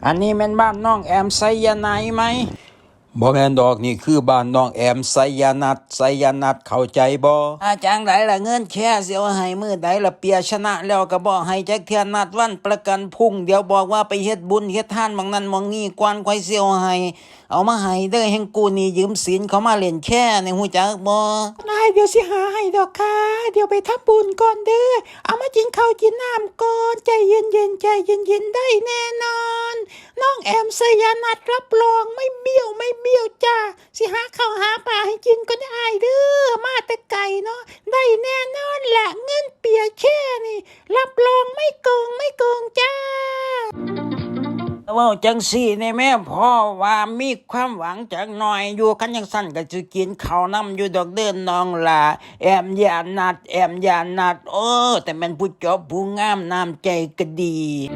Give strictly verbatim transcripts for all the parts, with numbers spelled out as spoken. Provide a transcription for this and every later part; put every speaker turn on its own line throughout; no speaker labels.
อันนี้แม่นบ้านน้องแอมไซยาไนด์ไหมบ่แม่นดอกนี่คือบ้านน้องแอมไซยานัดไซยานัดเข้าใจบ่อาจารย์ใดล่ะเงินแค่สิเอาให้มื้อใดล่ะเปียชนะแล้วก็บ่ให้จักเทื่อนัดวันประกันพรุ่งเดี๋ยวบอกว่าไปเฮ็ดบุญเฮ็ดทานบางนั้นบางนี้ก่อนค่อยสิเอาให้เอามาให้เด้อแห่งกูนี่ยืมศีลเขามาเล่นแค่นี่ฮู้จักบ่
นายเดี๋ยวสิหาให้ดอกค่ะเดี๋ยวไปทำบุญก่อนเด้อเอามากินข้าวกินน้ำก่อนใจเย็นๆใจเย็นๆได้แน่นอนน้องแอมสยานัดรับรองไม่เบี้ยวไม่เบี้ยวจ้าสิหาข้าวหาปลาให้กินก็ได้เด้อมาแต่ไก่เนาะได้แน่นอนแหละเงินเปียแค่นี่รับรองไม่โกงไม่โกงจ้า
เว้าจังซี่นี่แม่พ่อว่ามีความหวังจักหน่อยอยู่คันจังซั่นก็สิกินข้าวนำอยู่ดอกเด้อน้องล่ะแอมยานัดแอมยานัดเออแต่แม่นผู้จบผู้งามน้ำใจก็ดี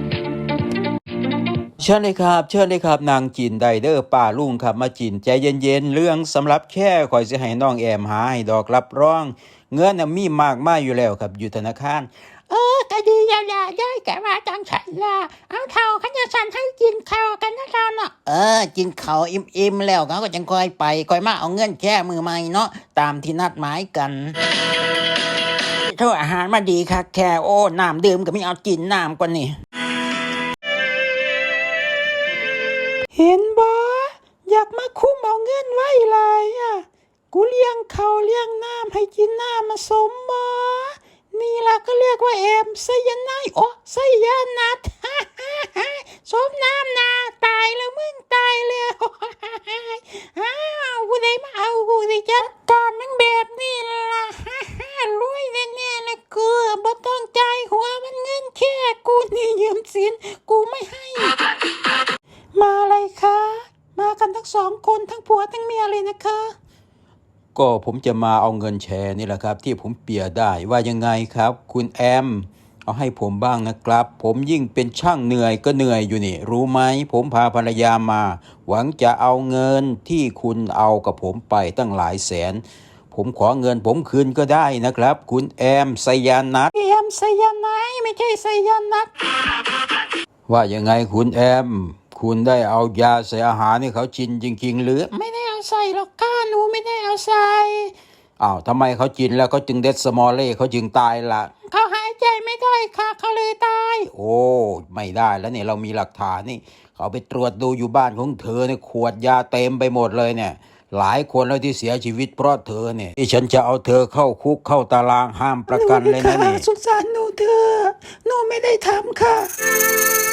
เชิญเลยครับเชิญเลยครับนางจินไดเดอร์ป้าลุงครับมาจินใจเย็นๆเรื่องสำหรับแค่คอยสิให้น้องแอมหาให้ดอกรับรองเงินน่ะมีมากมายอยู่แล้วครับอยู่ธนาคาร
เออก็ดีแล้วล่ะได้แกว่าจังฉันล่ะเอาเท่าขันจะสั่นให้กินข้าวกันนะท่านอ่ะ
เออกินข้าวอิ่มๆแล้วเขาก็จังค่อยไปค่อยมาเอาเงินแค่มือใหม่เนาะตามที่นัดหมายกันโทษอาหารมาดีค่ะแค่โอ้น้ำดื่มก็ไม่เอากินน้ำกว่านี่
เห็นบ่อยากมาคุ้มเอาเงินไว้หลายอ่ะกูเลี้ยงเขาเลี้ยงน้ำให้กินน้ำมาสมบ่นี่ล่ะก็เรียกว่าแอมไซยาไนด์โอ้ไซยานัดสมน้ำนาตายแล้วมึงตายแล้วอ้าวกูได้มาเอากูได้จัดการมันแบบนี้ล่ะรวยแน่ๆเลยกูบ่ต้องใจายหัวมันเงินแค่กูนี่ยืมสินกูไม่ให้มาเลยค่ะมากันทั้งสองคนทั้งผัวทั้งเมียเลยนะคะ
ก็ผมจะมาเอาเงินแชร์นี่แหละครับที่ผมเปียได้ว่ายังไงครับคุณแอมเอาให้ผมบ้างนะครับผมยิ่งเป็นช่างเหนื่อยก็เหนื่อยอยู่นี่รู้ไหมผมพาภรรยามาหวังจะเอาเงินที่คุณเอากับผมไปตั้งหลายแสนผมขอเงินผมคืนก็ได้นะครับคุณแอมไซยานัด
แอมไซยาไนด์ไม่ใช่ไซยานัด
ว่ายังไงคุณแอมคุณได้เอายาใส่อาหารให้เขากินจริงๆหรือ
ไม่ได้เอาใส่หรอกค่ะหนูไม่ได้เอาใส่
อ้าวทำไมเขากินแล้วเขาจึงเด็ดสมอลเล่เขาจึงตายล่ะ
เขาหายใจไม่ได้ค่ะเขาเลยตาย
โอ้ไม่ได้แล้วเนี่ยเรามีหลักฐานนี่เขาไปตรวจดูอยู่บ้านของเธอเนี่ยขวดยาเต็มไปหมดเลยเนี่ยหลายคนแล้วที่เสียชีวิตเพราะเธอเนี่ยที่ฉันจะเอาเธอเข้าคุกเข้าตารางห้ามประกันเลยนะนี่
สงสารหนูเธอหนูไม่ได้ทำค่ะ